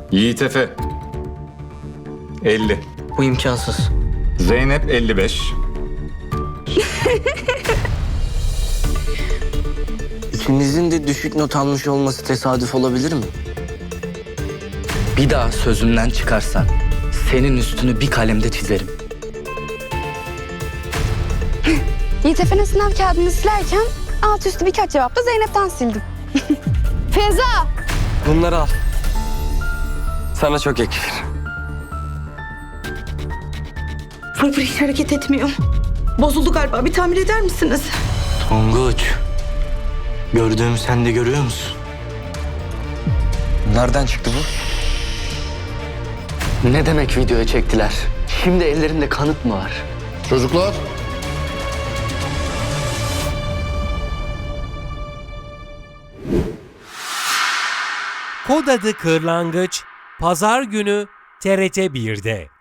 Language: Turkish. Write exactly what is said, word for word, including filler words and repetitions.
Yiğit Efe elli. Bu imkansız. Zeynep elli beş. İkinizin de düşük not almış olması tesadüf olabilir mi? Bir daha sözümden çıkarsan senin üstünü bir kalemde çizerim. Yiğit Efe'nin sınav kağıdını silerken alt üstü birkaç cevapla Zeynep'ten sildim. Feza! Bunları al. Sana çok yakışır. Fırfır hiç hareket etmiyor. Bozuldu galiba. Bir tamir eder misiniz? Tonguç, gördüğümü sen de görüyor musun? Nereden çıktı bu? Ne demek videoya çektiler? Şimdi ellerinde kanıt mı var? Çocuklar. Kod adı Kırlangıç, Pazar günü T R T bir'de.